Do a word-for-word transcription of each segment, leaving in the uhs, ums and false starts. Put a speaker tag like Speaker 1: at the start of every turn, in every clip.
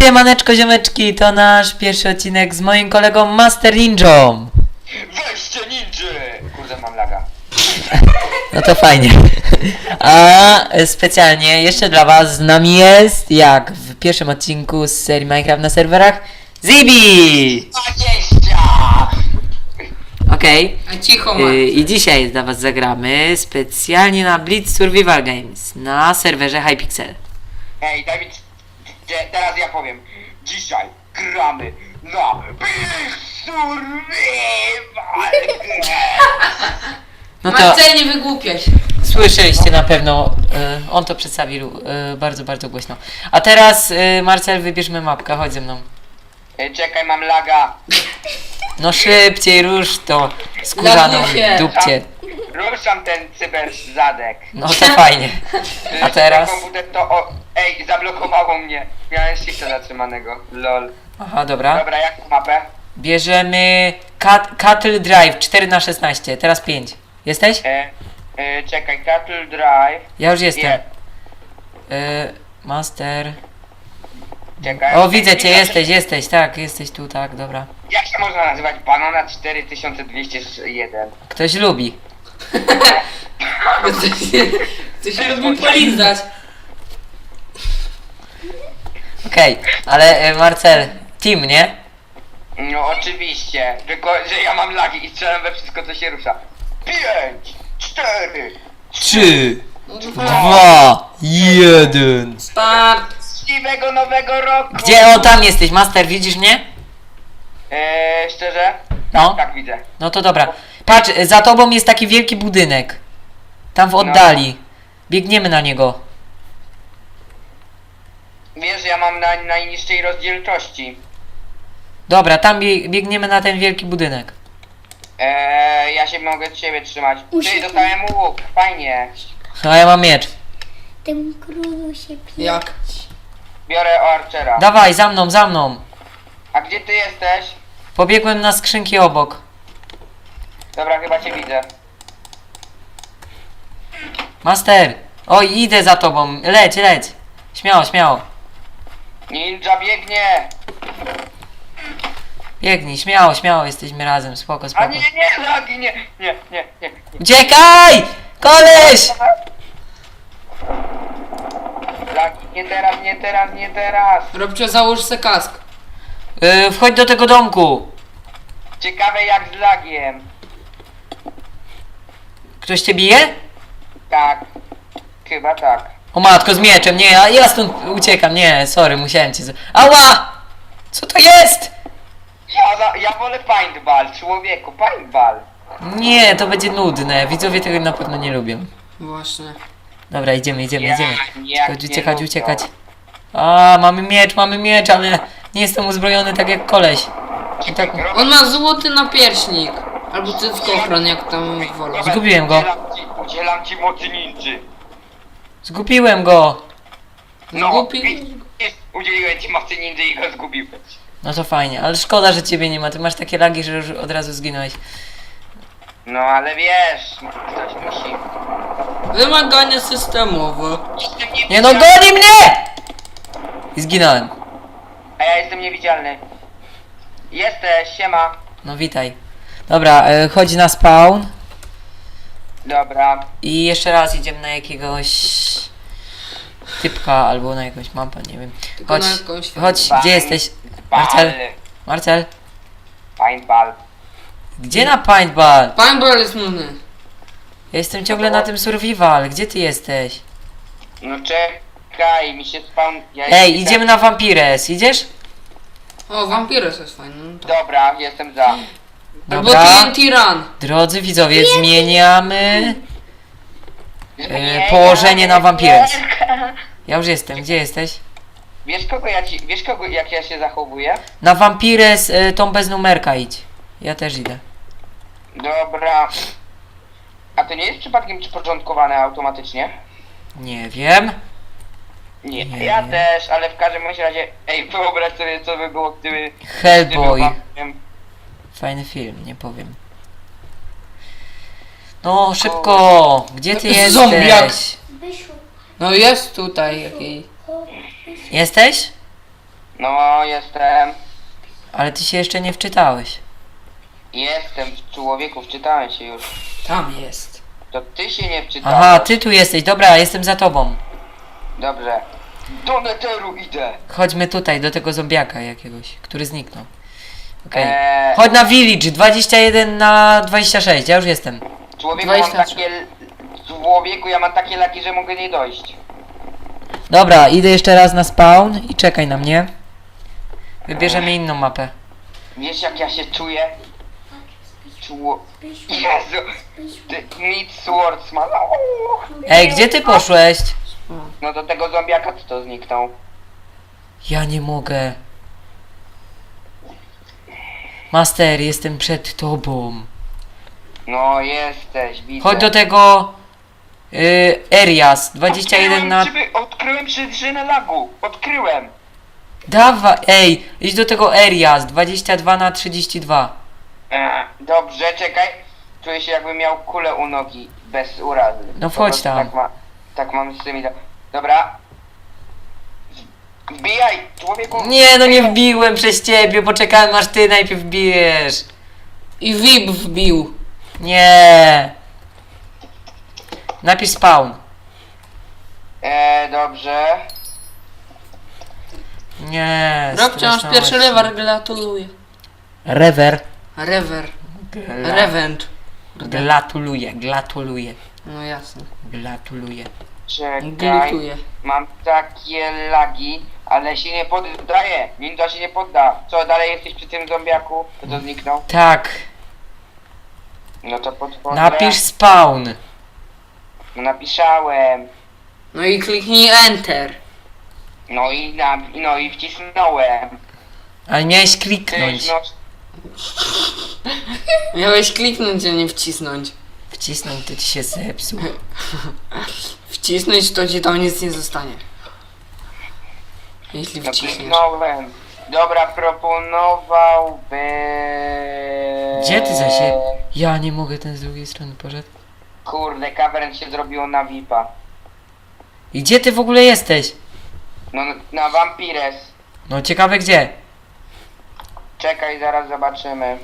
Speaker 1: Siemaneczko ziomeczki, to nasz pierwszy odcinek z moim kolegą Master Ninją.
Speaker 2: Weźcie ninja! Kurde, mam laga.
Speaker 1: No to fajnie. A specjalnie jeszcze dla was z nami jest, jak w pierwszym odcinku z serii Minecraft na serwerach, Zibi!
Speaker 2: dwadzieścia!
Speaker 1: Okej.
Speaker 3: A cicho
Speaker 1: Y,
Speaker 3: ma.
Speaker 1: I dzisiaj dla was zagramy specjalnie na Blitz Survival Games na serwerze Hypixel.
Speaker 2: Ej, daj mi... c- te- Teraz ja powiem. Dzisiaj gramy na Big Survival!
Speaker 1: No to
Speaker 3: Marcel, nie wygłupiaj się.
Speaker 1: słyszeliście na pewno, y, on to przedstawił y, bardzo, bardzo głośno. A teraz y, Marcel, wybierzmy mapkę, chodź ze mną.
Speaker 2: Ej, czekaj, mam laga.
Speaker 1: No szybciej, rusz to skórzaną
Speaker 3: Laguje się.
Speaker 1: dupcie.
Speaker 2: Ruszam ten cyber zadek.
Speaker 1: No to fajnie. A teraz?
Speaker 2: Komputer to... O... Ej, zablokowało mnie. Miałem shifta zatrzymanego. Lol.
Speaker 1: Aha, dobra.
Speaker 2: Dobra, jaką mapę?
Speaker 1: Bierzemy Cat Cattle Drive cztery na szesnaście, teraz pięć. Jesteś?
Speaker 2: E, e, czekaj, Cattle Drive.
Speaker 1: Ja już jestem.
Speaker 2: Je-
Speaker 1: Y, master.
Speaker 2: Czekaj.
Speaker 1: O, widzę cię, jesteś, jesteś, tak, jesteś tu, tak, dobra.
Speaker 2: Jak się można nazywać? Banana cztery tysiące dwieście jeden.
Speaker 1: Ktoś lubi.
Speaker 3: Ty się lubi polizać.
Speaker 1: Okej, ale y, Marcel, team, nie?
Speaker 2: No oczywiście, tylko że ja mam lagi i strzelam we wszystko co się rusza. Pięć, cztery,
Speaker 1: Trzy,
Speaker 3: No
Speaker 1: dwa, jeden.
Speaker 3: Start.
Speaker 2: szczęśliwego nowego roku!
Speaker 1: Gdzie? O, tam jesteś, Master, widzisz mnie?
Speaker 2: Eee, szczerze?
Speaker 1: No.
Speaker 2: Tak widzę.
Speaker 1: No to dobra. Patrz, za tobą jest taki wielki budynek. Tam w oddali. Biegniemy na niego.
Speaker 2: Wiesz, ja mam na najniższej rozdzielczości.
Speaker 1: Dobra, tam bie biegniemy na ten wielki budynek.
Speaker 2: Eee, ja się mogę od siebie trzymać. Czyli dostałem łuk, fajnie.
Speaker 1: A ja mam miecz.
Speaker 4: Tym królu się pije.
Speaker 3: Jak?
Speaker 2: Biorę Archera.
Speaker 1: Dawaj, za mną, za mną.
Speaker 2: A gdzie ty jesteś?
Speaker 1: Pobiegłem na skrzynki obok.
Speaker 2: Dobra, chyba cię widzę.
Speaker 1: Master! Oj, idę za tobą. Leć, leć. Śmiało, śmiało.
Speaker 2: Ninja biegnie!
Speaker 1: Biegnij, śmiało, śmiało. Jesteśmy razem. Spoko,
Speaker 2: A
Speaker 1: spoko.
Speaker 2: nie, nie, lagi, nie, nie, nie, nie.
Speaker 1: Uciekaj! Koleś!
Speaker 2: Lagi, nie teraz, nie teraz, nie teraz.
Speaker 3: Robcio, załóż se kask.
Speaker 1: Yy, wchodź do tego domku.
Speaker 2: Ciekawe jak z lagiem.
Speaker 1: Ktoś cię bije?
Speaker 2: Tak. Chyba tak.
Speaker 1: O matko, z mieczem. Nie, ja, ja stąd uciekam. Nie, sorry, musiałem cię... z- Ała! Co to jest?
Speaker 2: Ja, za, ja wolę paintball, człowieku, paintball.
Speaker 1: Nie, to będzie nudne. Widzowie tego na pewno nie lubią.
Speaker 3: Właśnie.
Speaker 1: Dobra, idziemy, idziemy,
Speaker 2: Ja,
Speaker 1: idziemy.
Speaker 2: nie,
Speaker 1: Uciekać,
Speaker 2: nie
Speaker 1: uciekać,
Speaker 2: lubią.
Speaker 1: uciekać. A, mamy miecz, mamy miecz, ale nie jestem uzbrojony tak jak koleś. I tak...
Speaker 3: On ma złoty napierśnik. Albo cyckochron, jak tam wolę.
Speaker 1: Zgubiłem go.
Speaker 2: Udzielam ci, udzielam ci mocy ninży.
Speaker 1: Zgubiłem go.
Speaker 2: No,
Speaker 3: Zgubi-
Speaker 2: widzisz, udzieliłem ci mocy ninży i go zgubiłeś.
Speaker 1: No to fajnie, ale szkoda, że ciebie nie ma. Ty masz takie lagi, że już od razu zginąłeś.
Speaker 2: No ale wiesz, ktoś musi.
Speaker 3: Wymagania systemowe.
Speaker 2: Jestem
Speaker 1: Nie no,
Speaker 2: niewidzialny.
Speaker 1: goni mnie! I zginąłem.
Speaker 2: A ja jestem niewidzialny. Jesteś, siema.
Speaker 1: No witaj. Dobra, e, chodź na spawn.
Speaker 2: Dobra.
Speaker 1: I jeszcze raz idziemy na jakiegoś typka albo na jakąś mapę, nie wiem.
Speaker 3: Tylko
Speaker 1: Chodź,
Speaker 3: na jakąś-
Speaker 1: chodź, gdzie jesteś? Marcel, Marcel,
Speaker 2: Paintball.
Speaker 1: gdzie na paintball?
Speaker 3: Paintball jest nudny.
Speaker 1: Ja jestem ciągle na tym survival, gdzie ty jesteś?
Speaker 2: No czekaj, mi się spawn... Ja
Speaker 1: Ej,
Speaker 2: jestem-
Speaker 1: idziemy na Vampires, idziesz?
Speaker 3: O, Vampires jest fajny. No to-
Speaker 2: Dobra, jestem za.
Speaker 3: Albo
Speaker 1: Dobra.
Speaker 3: T N T Run.
Speaker 1: Drodzy widzowie, zmieniamy e,
Speaker 2: Nie,
Speaker 1: położenie
Speaker 2: ja-
Speaker 1: na Vampires. Ja już jestem, gdzie jesteś?
Speaker 2: Wiesz kogo ja ci... Wiesz kogo, jak ja się zachowuję?
Speaker 1: Na Vampires e, tą bez numerka idź. Ja też idę.
Speaker 2: Dobra. A to nie jest przypadkiem przyporządkowane automatycznie?
Speaker 1: Nie wiem.
Speaker 2: Nie,
Speaker 1: Nie.
Speaker 2: ja też, ale w każdym bądź razie... Ej, wyobraź sobie co by było, gdyby...
Speaker 1: Hellboy.
Speaker 2: gdyby wam-
Speaker 1: Fajny film, nie powiem. No, szybko! Gdzie ty jesteś?
Speaker 3: Zombiak.
Speaker 4: Wyszło.
Speaker 3: No jest tutaj jakiej.
Speaker 4: O,
Speaker 1: Jesteś?
Speaker 2: No, jestem.
Speaker 1: Ale ty się jeszcze nie wczytałeś.
Speaker 2: Jestem w człowieku, wczytałem się już.
Speaker 3: Tam jest.
Speaker 2: To ty się nie wczytałeś.
Speaker 1: Aha, ty tu jesteś, dobra, jestem za tobą.
Speaker 2: Dobrze. Do neteru idę.
Speaker 1: Chodźmy tutaj, do tego zombiaka jakiegoś, który zniknął. Okej.
Speaker 2: Eee,
Speaker 1: Chodź na village, dwadzieścia jeden na dwadzieścia sześć, ja już jestem.
Speaker 2: człowieku, mam
Speaker 3: dwadzieścia trzy.
Speaker 2: takie... Człowieku, ja mam takie laki, że mogę nie dojść.
Speaker 1: Dobra, idę jeszcze raz na spawn i czekaj na mnie. Wybierzemy inną mapę.
Speaker 2: Wiesz jak ja się czuję? Czło... Jezu! Ty, Meet Swordsman. O!
Speaker 1: Ej, gdzie ty poszłeś?
Speaker 2: No do tego zombiaka co to zniknął.
Speaker 1: Ja nie mogę. Master, jestem przed tobą.
Speaker 2: No jesteś, widzę.
Speaker 1: Chodź do tego... Yy, Erias, dwadzieścia jeden na...
Speaker 2: Odkryłem, przyby- odkryłem przyczynę lagu. Odkryłem.
Speaker 1: Dawaj, ej, idź do tego Erias, dwadzieścia dwa na trzydzieści dwa.
Speaker 2: Eee, dobrze, czekaj. Czuję się jakbym miał kulę u nogi. Bez urazy.
Speaker 1: No
Speaker 2: Po
Speaker 1: wchodź
Speaker 2: prostu
Speaker 1: tam.
Speaker 2: Tak, ma, tak mam z tymi... do- Dobra. Wbijaj, człowieku.
Speaker 1: Nie, no nie wbiłem przez ciebie, poczekałem aż ty najpierw wbijesz.
Speaker 3: I V I P wbił.
Speaker 1: Nie. Napisz spawn.
Speaker 2: Eee, dobrze.
Speaker 1: Nie.
Speaker 3: Robcie, masz
Speaker 1: stresnąłeś
Speaker 3: pierwszy
Speaker 1: się.
Speaker 3: lewer, gratuluję.
Speaker 1: Rewer.
Speaker 3: Rewer.
Speaker 1: Gla-
Speaker 3: Revent.
Speaker 1: Gratuluję, gratuluję,
Speaker 3: No jasne.
Speaker 1: gratuluję.
Speaker 2: Czekaj.
Speaker 3: Glutuję.
Speaker 2: Mam takie lagi, ale się nie poddaję. Ninja się nie podda. Co, dalej jesteś przy tym zombiaku? To to zniknął?
Speaker 1: Tak,
Speaker 2: No to podchodzę.
Speaker 1: napisz spawn.
Speaker 2: No napisałem.
Speaker 3: No i kliknij Enter.
Speaker 2: No i, na, no i wcisnąłem.
Speaker 1: Ale miałeś
Speaker 2: Tyś,
Speaker 1: kliknąć.
Speaker 2: no,
Speaker 3: Miałeś kliknąć, a nie wcisnąć.
Speaker 1: Wcisnąć to ci się zepsuł.
Speaker 3: Wcisnąć to ci tam nic nie zostanie. Jeśli
Speaker 2: no
Speaker 3: wciśniesz.
Speaker 2: kliknąłem. Dobra, proponowałbym...
Speaker 1: Gdzie ty za się? Ja nie mogę, ten z drugiej strony poszedł.
Speaker 2: Kurde, cavern się zrobiło na V I P-a.
Speaker 1: I gdzie ty w ogóle jesteś?
Speaker 2: No na Vampires.
Speaker 1: No ciekawe gdzie.
Speaker 2: Czekaj, zaraz zobaczymy.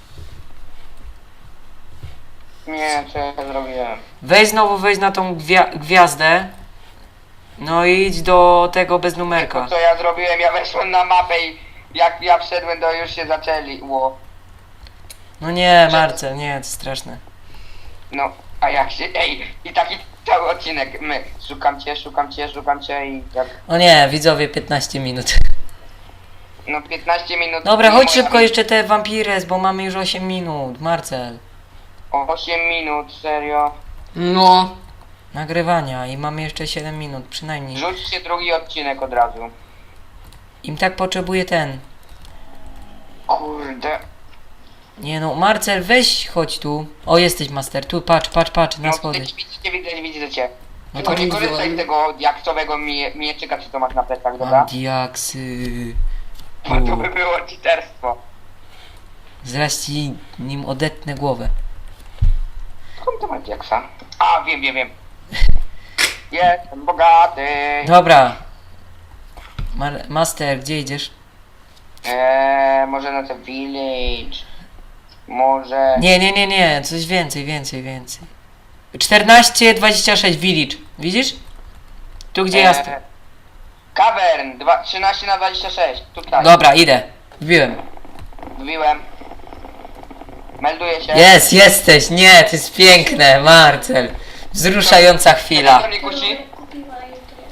Speaker 2: Nie, co ja zrobiłem?
Speaker 1: Weź znowu, wejdź na tą gwia gwiazdę. No i idź do tego bez numerka.
Speaker 2: To co ja zrobiłem, ja weszłem na mapę i jak ja wszedłem, to już się zaczęli. Ło.
Speaker 1: No nie, Marcel, nie, to straszne.
Speaker 2: No, a jak się... Ej, i taki cały odcinek. My, szukam cię, szukam cię, szukam cię i jak...
Speaker 1: O nie, widzowie, piętnaście minut.
Speaker 2: No piętnaście minut...
Speaker 1: Dobra,
Speaker 2: i
Speaker 1: chodź
Speaker 2: moja-
Speaker 1: szybko jeszcze te Vampires, bo mamy już osiem minut. Marcel.
Speaker 2: osiem minut, serio.
Speaker 3: No.
Speaker 1: Nagrywania i mamy jeszcze siedem minut, przynajmniej.
Speaker 2: Rzućcie drugi odcinek od razu.
Speaker 1: Im tak potrzebuje ten.
Speaker 2: Kurde.
Speaker 1: Nie no, Marcel, weź, chodź tu. O, jesteś master, tu, patrz, patrz, patrz, na
Speaker 2: No,
Speaker 1: schody.
Speaker 2: widzicie, widzicie, widzę, widzę cię.
Speaker 1: No
Speaker 2: Tylko
Speaker 1: to
Speaker 2: nie
Speaker 3: widzę,
Speaker 2: korzystaj
Speaker 3: ale-
Speaker 2: z tego jaksowego mie mieczyka, co to masz na plecach,
Speaker 1: Mam
Speaker 2: dobra?
Speaker 1: diaksy.
Speaker 2: Bo to by było cheaterstwo.
Speaker 1: Zaraz ci nim odetnę głowę.
Speaker 2: Skąd to ma diaksa? A, wiem, wiem, wiem. Jestem bogaty.
Speaker 1: Dobra. Mar master, gdzie idziesz?
Speaker 2: Eee, może na ten village. Może...
Speaker 1: Nie, nie, nie, nie, coś więcej, więcej, więcej. czternaście dwadzieścia sześć village. Widzisz? Tu gdzie ja sto...
Speaker 2: Eee, Cavern, dwa- trzynaście na dwadzieścia sześć. Tutaj.
Speaker 1: Dobra, idę. Wbiłem.
Speaker 2: Wbiłem. Melduję się.
Speaker 1: Jest, jesteś, nie, to jest piękne, Marcel. Wzruszająca chwila.
Speaker 2: Co mnie kusi?
Speaker 4: Kupiła jutro.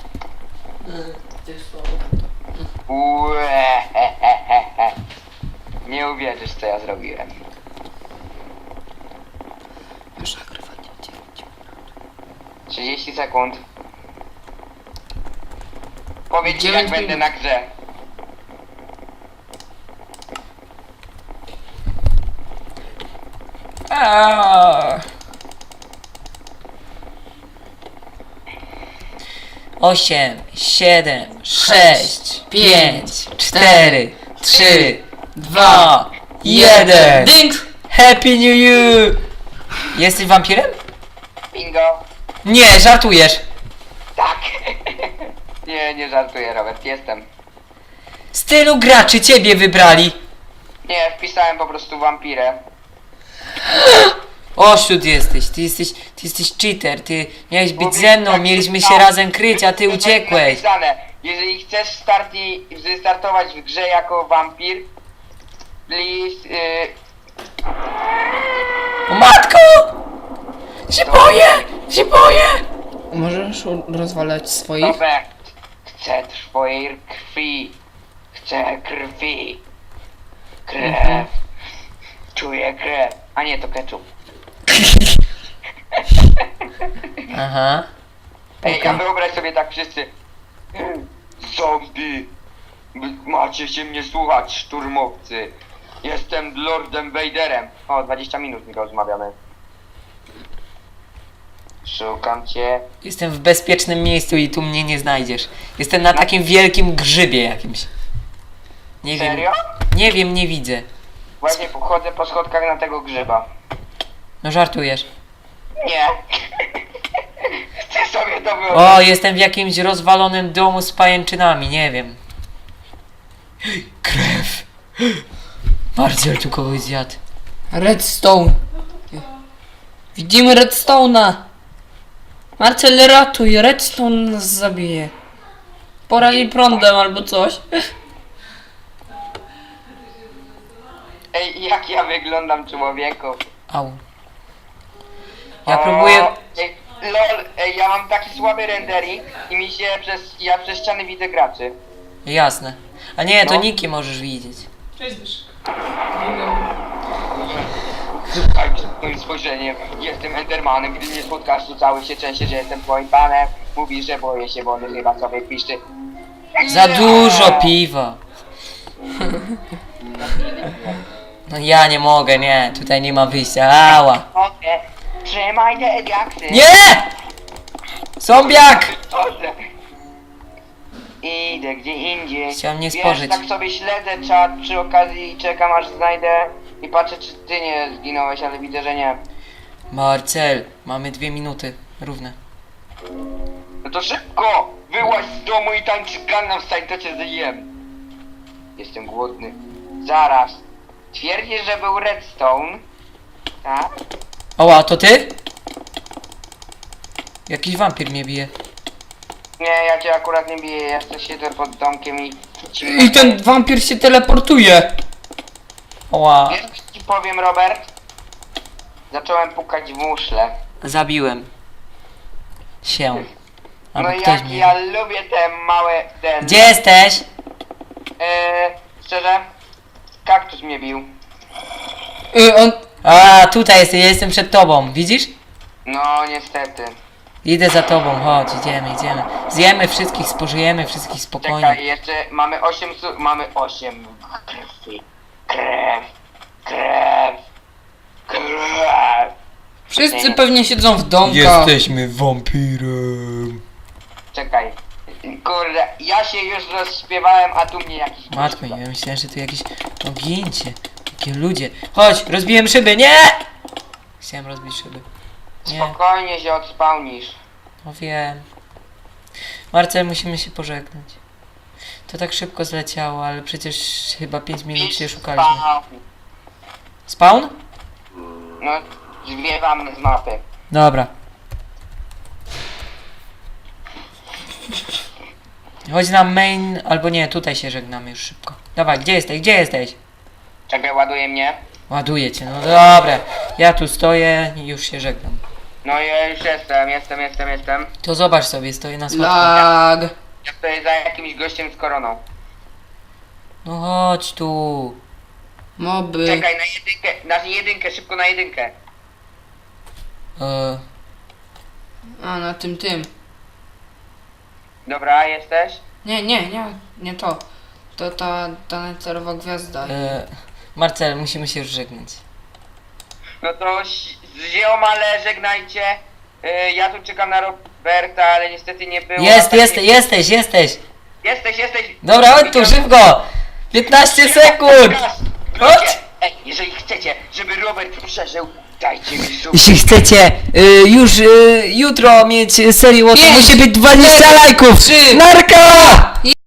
Speaker 2: Ue, he, he, he, he. Nie uwierzysz, co ja zrobiłem.
Speaker 3: Już nagrywanie dziewięć.
Speaker 2: trzydzieści sekund. Powiedz mi,
Speaker 3: dziewięć
Speaker 2: jak będę
Speaker 3: minut.
Speaker 2: na grze.
Speaker 1: Aaaa. Osiem, siedem, sześć, pięć, cztery, trzy, dwa, jeden.
Speaker 3: Ding!
Speaker 1: Happy New Year! Jesteś wampirem?
Speaker 2: Bingo.
Speaker 1: Nie, żartujesz.
Speaker 2: Tak. nie, nie żartuję, Robert, jestem.
Speaker 1: Z tylu graczy ciebie wybrali.
Speaker 2: Nie, wpisałem po prostu wampirę.
Speaker 1: Oszut jesteś, ty jesteś, ty jesteś cheater, ty miałeś być ze mną, mieliśmy się razem kryć, a ty uciekłeś.
Speaker 2: Napisane, jeżeli chcesz starti, wystartować w grze jako wampir, please, yy,
Speaker 1: O matko! Się boję! Się boję!
Speaker 3: Możesz u- rozwalać swoich?
Speaker 2: Robert, chcę twojej krwi, chcę krwi, krew,
Speaker 3: Mhm.
Speaker 2: czuję krew, a nie to ketchup.
Speaker 1: Aha.
Speaker 2: Ej,
Speaker 3: Okej.
Speaker 2: a wyobraź sobie tak wszyscy. Zombie! Macie się mnie słuchać, szturmowcy. Jestem Lordem Vaderem. O, dwadzieścia minut mi rozmawiamy. Szukam cię.
Speaker 1: Jestem w bezpiecznym miejscu i tu mnie nie znajdziesz. Jestem na takim wielkim grzybie jakimś. Nie wiem.
Speaker 2: Serio?
Speaker 1: Nie wiem, nie widzę.
Speaker 2: Właśnie chodzę po schodkach na tego grzyba.
Speaker 1: No żartujesz.
Speaker 2: Nie. Chcę sobie to
Speaker 1: O,
Speaker 2: wyobrazić.
Speaker 1: jestem w jakimś rozwalonym domu z pajęczynami, nie wiem. Krew. Marcel tu kogoś zjadł.
Speaker 3: Redstone. Widzimy Redstone'a. Marcel, ratuj, Redstone nas zabije. Porali prądem albo coś.
Speaker 2: Ej, jak ja wyglądam, człowieku.
Speaker 1: Au. Ja
Speaker 2: O,
Speaker 1: próbuję...
Speaker 2: Ej, lol, ej, ja mam taki słaby rendering i mi się przez... ja przez ściany widzę graczy.
Speaker 1: Jasne. A nie, to
Speaker 2: No.
Speaker 1: niki możesz widzieć.
Speaker 2: Słuchaj przed moim spojrzeniem. Jestem Endermanem, gdy mnie spotkasz, to cały się trzęsie, że jestem twoim panem. Mówisz, że boję się wody, chyba sobie piszczy.
Speaker 1: Za dużo piwa. No ja nie mogę, nie. Tutaj nie ma wyjścia. Ała.
Speaker 2: Okej, trzymaj te diaksy.
Speaker 1: Nie! Zombiak!
Speaker 2: Chodzę. Idę gdzie indziej.
Speaker 1: Chciałem nie
Speaker 2: Wiesz,
Speaker 1: spożyć.
Speaker 2: tak sobie śledzę czat przy okazji i czekam aż znajdę i patrzę czy ty nie zginąłeś, ale widzę, że nie.
Speaker 1: Marcel, mamy dwie minuty. Równe.
Speaker 2: No to szybko! Wyłaź z domu i tańcz Gangnam Style, to cię zjem. Jestem głodny. Zaraz. Twierdzisz, że był Redstone? Tak?
Speaker 1: Oła, to ty? Jakiś wampir mnie bije.
Speaker 2: Nie, ja cię akurat nie biję, ja jeszcze siedzę pod domkiem i...
Speaker 3: I ten wampir się teleportuje.
Speaker 1: Oła.
Speaker 2: Wiesz, co ci powiem, Robert? Zacząłem pukać w muszle.
Speaker 1: Zabiłem. Się. Albo
Speaker 2: No
Speaker 1: ktoś
Speaker 2: jak
Speaker 1: mnie...
Speaker 2: ja lubię te małe... ten...
Speaker 1: Gdzie jesteś?
Speaker 2: Eee, szczerze? Kaktus mnie bił.
Speaker 3: Y, on...
Speaker 1: A, tutaj jestem, ja jestem przed tobą. Widzisz?
Speaker 2: No, niestety.
Speaker 1: Idę za tobą, chodź, idziemy, idziemy. Zjemy wszystkich, spożyjemy wszystkich spokojnie.
Speaker 2: Czekaj, jeszcze mamy osiem su... mamy osiem krwi. Krew. Krew. Krew.
Speaker 3: Wszyscy pewnie siedzą w domkach.
Speaker 1: Jesteśmy wampirem.
Speaker 2: Czekaj. Kurde, ja się już rozśpiewałem, a tu mnie jakiś...
Speaker 1: Matko, ja myślałem, że tu jakieś ogięcie. Takie ludzie. Chodź, rozbiłem szyby, nie! Chciałem rozbić szyby. Nie,
Speaker 2: Spokojnie się odspałnisz.
Speaker 1: no wiem. Marcel, musimy się pożegnać. To tak szybko zleciało, ale przecież chyba pięć minut się szukaliśmy. Spawn?
Speaker 2: No, zwiewam z mapy.
Speaker 1: Dobra. Chodź na main, albo nie, tutaj się żegnamy już szybko. Dawaj, gdzie jesteś, gdzie jesteś?
Speaker 2: Czekaj, ładuje mnie.
Speaker 1: Ładuję cię, no dobra. Ja tu stoję i już się żegnam.
Speaker 2: No ja już jestem, jestem, jestem, jestem.
Speaker 1: To zobacz sobie, stoję na schodku.
Speaker 3: Lag.
Speaker 2: Ja stoję za jakimś gościem z koroną.
Speaker 1: No chodź tu.
Speaker 3: Moby.
Speaker 2: Czekaj, na jedynkę, na jedynkę, szybko na jedynkę.
Speaker 1: E,
Speaker 3: A, na tym, tym.
Speaker 2: Dobra, jesteś?
Speaker 3: Nie, nie, nie, nie to. To ta, ta necerowa gwiazda.
Speaker 1: e, Marcel, musimy się już żegnać.
Speaker 2: No to ś- ziomale, żegnajcie. Yy, ja tu czekam na Roberta, ale niestety nie było.
Speaker 1: Jest,
Speaker 2: Tak
Speaker 1: jest,
Speaker 2: nie-
Speaker 1: jesteś, jesteś.
Speaker 2: Jesteś, jesteś.
Speaker 1: Dobra, chodź tu, szybko. piętnaście sekund. Chodź.
Speaker 2: Ludzie, ej, jeżeli chcecie, żeby Robert przeżył, dajcie mi sub.
Speaker 1: Jeśli chcecie y, już y, jutro mieć serię, to
Speaker 3: Pięć,
Speaker 1: musi być dwadzieścia lajków.
Speaker 3: trzy,
Speaker 1: Narka!